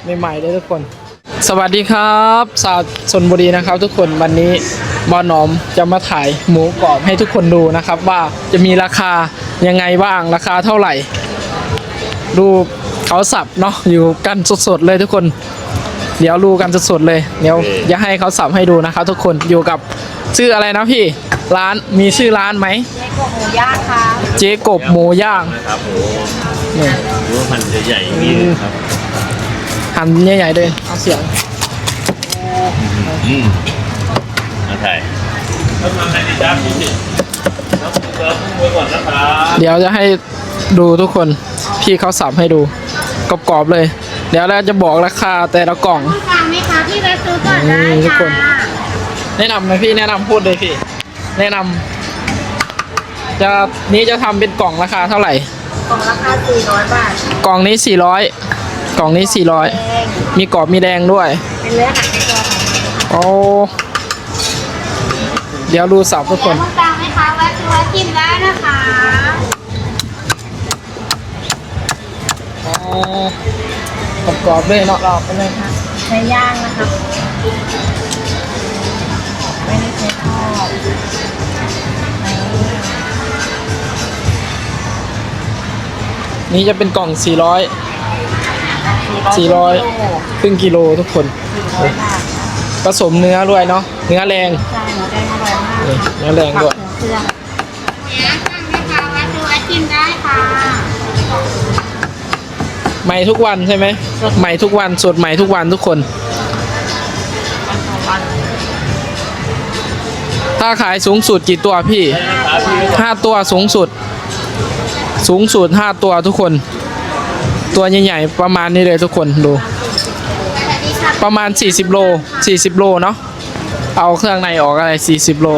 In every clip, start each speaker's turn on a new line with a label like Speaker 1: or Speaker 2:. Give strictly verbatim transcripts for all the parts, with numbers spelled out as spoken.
Speaker 1: ใหม่ๆเลยทุกคนสวัสดีครับสาวชลบุรีนะครับทุกคนวันนี้บอหนอมจะมาถ่ายหมูกรอบให้ทุกคนดูนะครับว่าจะมีราคายังไงบ้างราคาเท่าไหร่ดูเขาสับเนาะอยู่กันสดๆเลยทุกคนเดี๋ยวดูกันสดๆเลยเดี๋ยวจะให้เขาสับให้ดูนะครับทุกคนอยู่กับชื่ออะไรนะพี่ร้านมีชื่อร้านไหมเจ๊กบหมูย่างค่ะเจ๊กบหมูย่าง
Speaker 2: ครับโอ้นี่รู้ว่ามันจะใหญ่อย่างนี้ครับ
Speaker 1: หั่นใหญ่ๆเลยเอาเสียง
Speaker 2: อืมมาถ่ายต้องมาให้ดีจ้าพี่สิน้ำเกลือพุ่งไว้ก่อนนะครับ
Speaker 1: เดี๋ยวจะให้ดูทุกคนพี่เขาสับให้ดูกรอบๆเลยเดี๋ยวเราจะบอกราคาแต่ละกล่อง
Speaker 3: ฟังไหมคะพี่ไปซื้อก่อนได้ค่ะ
Speaker 1: แนะนำนะพี่แนะนำพูดเลยพี่แนะนำจะนี้จะทำเป็นกล่องราคาเท่าไหร่
Speaker 3: กล่องราคาสี่ร้อยบาท
Speaker 1: กล่องนี้สี่ร้อยกล่องนี้สี่ร้อยมีกรอบมีแดงด้วย
Speaker 3: เป็นเนื้อหันในตัวของ
Speaker 1: โอ้เดี๋ยวดูสับทุกคน
Speaker 3: ต้องฟังไหมคะว่าซื้อกินได้นะคะ
Speaker 1: อ๋อกรอบๆเลยเนาะ
Speaker 3: กรอบไปเลยค่ะใช้ย่างนะคะไม่ได้ใช้ทอด
Speaker 1: นี่จะเป็นกล่องสี่ร้อยสี่ร้อยครึ่งกิโลทุกคนผสมเนื้อด้วยเนาะเนื้อแรง
Speaker 3: ใช่เนื้อแดงอร่อยมาก
Speaker 1: เนื้อแรงด้วย
Speaker 3: เครื่องเนื้อสั่งไหมคะว่าซื้อกินได้ค่ะ
Speaker 1: ใหม่ทุกวันใช่ไหมใหม่ทุกวันสดใหม่ทุกวันทุกคนถ้าขายสูงสุดกี่ตัวพี่ห้าตัวสูงสุดสูงสุดห้าตัวทุกคนตัวใหญ่ๆประมาณนี้เลยทุกคนดูประมาณสี่สิบโลสี่สิบโลเนาะเอาเครื่องในออกอะไรสี่สิบโล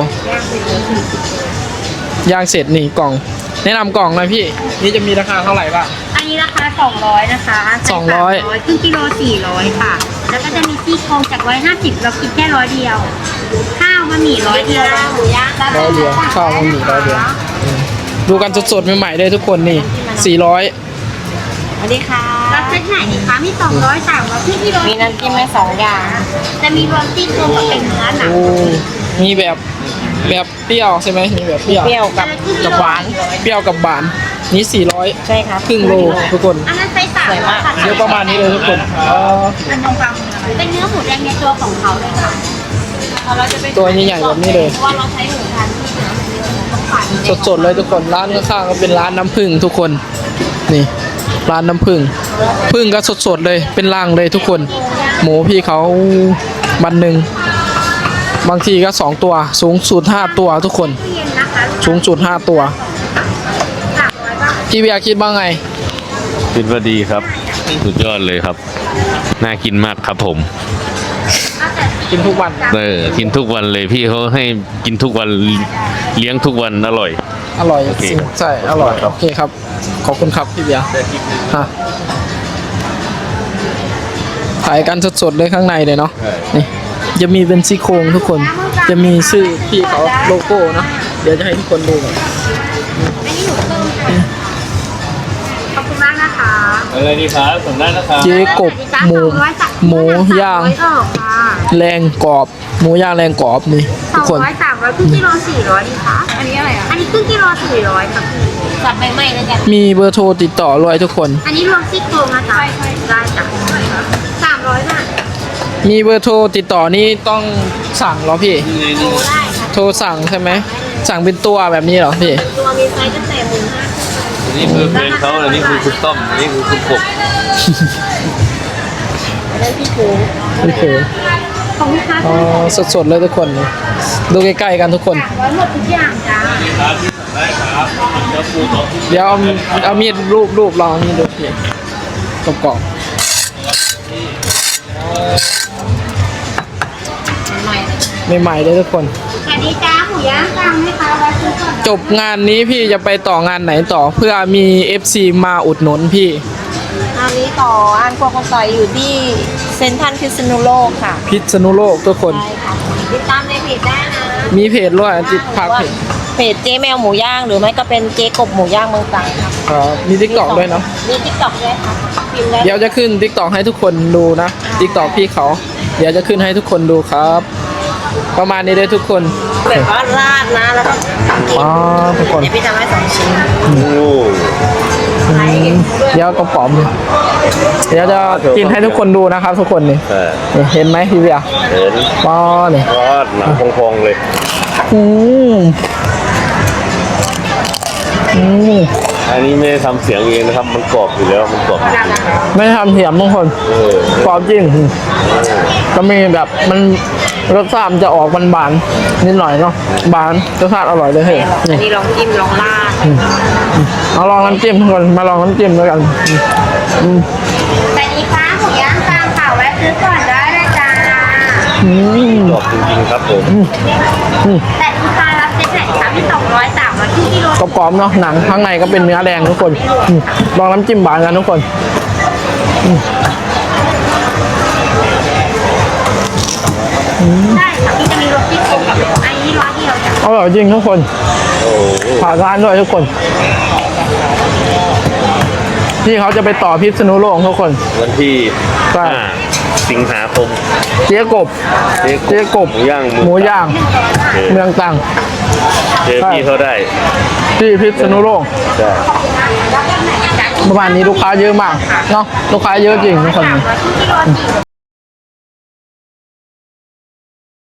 Speaker 1: ย่างเสร็จนี่กล่องแนะนำกล่องหน่อยพี่นี่จะมีราคาเท่าไหร่บ้าง
Speaker 3: อันนี้ราคาสองร้อยนะคะ
Speaker 1: สองร้อย
Speaker 3: ครึ่งกิโลสี่ร้อยค่ะแล้วก็จะมีซี่โครงจากร้อยห้าสิบเราคิดแค่ร้อยเดียวข้าวบะหมี่ร้อยเดียวหมูย่าง
Speaker 1: ร้อยเดียวข้าวบะหมี่ร้อยเดียวดูกันสดๆใหม่ๆเลยทุกคนนี่สี่ร้อย
Speaker 3: สวัสดีค่ะรับเซตไหนดีคะมีสองร้อยสามร้อยครึ่งกิโลมีน้ำจิ้มให้สองอย่างจะมีรวมซี่โครงกับเป็นเนื้อหนัง
Speaker 1: มีแบบแบบเปรี้ยวใช่ไหมมีแบบเปรี้ยว
Speaker 3: เปรี้ยวกับ
Speaker 1: กับหวานเปรี้ยวกับหวานนี่สี่ร้อย
Speaker 3: ใช่ครับ
Speaker 1: ครึ่งโลทุกคน
Speaker 3: อันนั้นไซส์สามร้อยค่ะ
Speaker 1: เยอะประมาณนี้เลยทุกคน
Speaker 3: เป็นตรงกลางเป็นเนื้อหมูแดงในตัวของเขาเลยค่ะ
Speaker 1: ตัวใหญ่ๆแบบนี้เลย
Speaker 3: เพราะว่าเราใช้หมูทานที่เนื้อมันเยอะต้องปั่น
Speaker 1: สดๆเลยทุกคนร้านข้างๆก็เป็นร้านน้ำผึ้งทุกคนนี่ร้านน้ำผึ้งผึ้งก็สดๆเลยเป็นรังเลยทุกคนหมูพี่เขาวันหนึ่งบางทีก็สองตัวสูงสุดห้าตัวทุกคนสูงสุดห้าตัวพี่เบียร์คิดบ้างไง
Speaker 2: คิดว่าดีครับสุดยอดเลยครับน่ากินมากครับผม
Speaker 1: กินทุกวัน
Speaker 2: เออกินทุกวันเลยพี่เขาให้กินทุกวันเลี้ยงทุกวันอร่อย
Speaker 1: อร่อยจริงใช่อร่อยโอเคครับขอบคุณครับพี่เบียร์ฮะถ่ายกันสดๆเลยข้างในเลยเนาะนี่จะมีเป็นซี่โครงทุกคนจะมีชื่อพี่เขาโลโก้เนาะเดี๋ยวจะให้ทุกคนดูก่อน
Speaker 3: ขอบคุณมากนะคะ
Speaker 2: อะไรดีครับส่งได้นะครับ
Speaker 1: เจ๊กบหมูหมูย่างแรงกรอบหมูย่างแรงกรอบนี่ทุกคน
Speaker 3: สองร้อยสามร้อยครึ่งกิโลสี่ร้อยดีคะอันนี้อะไรอ่ะอันนี้ครึ่งกิโลสี่ร้อยครับจัดไปใหม่เลยจ้ะ
Speaker 1: มีเบอร์โทรติดต่อด้วยทุกคน
Speaker 3: อันนี้รวมซี่โครงนะจ๊ะได้จ้ะสามร้อยบาท
Speaker 1: มีเบอร์โทรติดต่อนี่ต้องสั่งเหรอพี่
Speaker 3: โทรได้ค่ะ
Speaker 1: โทรสั่งใช่ไหมสั่งเป็นตัวแบบนี้เหรอพี่
Speaker 3: ตัวมีไซส์ตั้งแต่หนึ่งห้า
Speaker 2: อันนี้คือเพลงเขาอันนี้คือคุณต้อมอันนี้คือคุณกบ
Speaker 3: อันนั้นพี่คู
Speaker 1: พี่คู
Speaker 3: ของลูกค้า
Speaker 1: อ๋อสดๆเลยทุกคนดูใกล้ๆกันทุกคน
Speaker 3: ร้อยหมดทุกอย่างจ้า
Speaker 1: เดี๋ยวเอาเอามีดรูปรูปลองมีดดูพี่กรอบๆใหม่ๆเลยทุกคน
Speaker 3: สวัสดีจ้าหมูย่างกลางไหมคะไว้ซื้อก่อน
Speaker 1: จบงานนี้พี่จะไปต่องานไหนต่อเพื่อมี เอฟ ซี มาอุดหนุนพี่
Speaker 3: อันนี้ต่ออันโกโกต่อยอยู่ที่เซ็นทรัลพิษณุโลกค่ะ
Speaker 1: พิษณุโลกทุกคน
Speaker 3: ใช่ค่ะติดตามในเพจได้นะ
Speaker 1: มีเพจด้วยจิตพักเพจ
Speaker 3: เพจเจ๊แมวหมูย่างหรือไม่ก็เป็นเจ๊กบหมูย่างเมืองตรังครับ
Speaker 1: ครับมีทิกตอกด้วยเนาะ
Speaker 3: มีติ๊กต็อกด้วยค่ะพิมพ์ได้
Speaker 1: เดี๋ยวจะขึ้นทิกตอกให้ทุกคนดูนะทิกตอกพี่เขา เดี๋ยวจะขึ้นให้ทุกคนดูครับ ประมาณนี้เลยทุกคน
Speaker 3: แบบว่าราดนะแล้วก็กิน
Speaker 1: อ๋อทุกคน
Speaker 3: เดี๋ยวพี่ทำให้สองชิ้น
Speaker 2: โอ้
Speaker 1: เดี๋ยวกระป๋อมเดี๋ยวจะกินให้ทุกคนดูนะครับ ทุกคนนี่
Speaker 2: เออ
Speaker 1: นี่เห็นไหมพี่เบียร์
Speaker 2: เห็น
Speaker 1: ป้อนี่
Speaker 2: รอดหนังพองๆเลย
Speaker 1: อืมอืม
Speaker 2: อันนี้ไม่ได้ทำเสียงเองนะครับ มันกรอบอยู่แล้วมันกรอบจริง
Speaker 1: ไม่ทำเสียมทุกคน
Speaker 2: เออก
Speaker 1: รอบจริงก็มีแบบมันรสชาติมันจะออกบานๆนิดหน่อยเนาะบานรสชาติอร่อยเลยเฮ้ย
Speaker 3: อัน
Speaker 1: นี่
Speaker 3: นี้ลองจิ้มลองราด
Speaker 1: เอาลองน้ำจิ้มทุกคนมาลองน้ำจิ้มด้วยกันอืม
Speaker 3: แต่นี้ฟ้าหมูย่างตามข่าวแวะซื้อก่อนได้เลยจ้า
Speaker 1: อืม
Speaker 2: กรอบจริงๆครับผม
Speaker 3: แต่นี้ฟ้ารับเซ็ตไหนคะพี่สองร้อยสามร้อยที่กิโล
Speaker 1: กรอบๆเนาะหนังข้างในก็เป็นเนื้อแดงทุกคนอืมลองน้ำจิ้มบานกันทุกคนอืม
Speaker 3: ได้ค่ะพี่จะมีรสที่โกงกับอันนี้ร้อยเดียวจ้ะ
Speaker 1: อร่อยจริงทุกคน
Speaker 2: โอ้โห
Speaker 1: ผ่านร้านด้วยทุกคนที่เขาจะไปต่อพิษณุโลกทุกคน
Speaker 2: วันที่
Speaker 1: ใช่
Speaker 2: ห้าสิงหาคม
Speaker 1: เจ๊กบ
Speaker 2: เจ๊
Speaker 1: เจ๊กบ
Speaker 2: หมูย่าง
Speaker 1: หมูย่าง
Speaker 2: เออ
Speaker 1: เมืองตรัง
Speaker 2: เจอพี่เขาได้
Speaker 1: ที่พิษณุโลก
Speaker 2: ใช่
Speaker 1: ประมาณนี้ลูกค้าเยอะมากเนาะลูกค้าเยอะจริงทุกคน
Speaker 3: สามร้อยที่กิโลจิ๋ว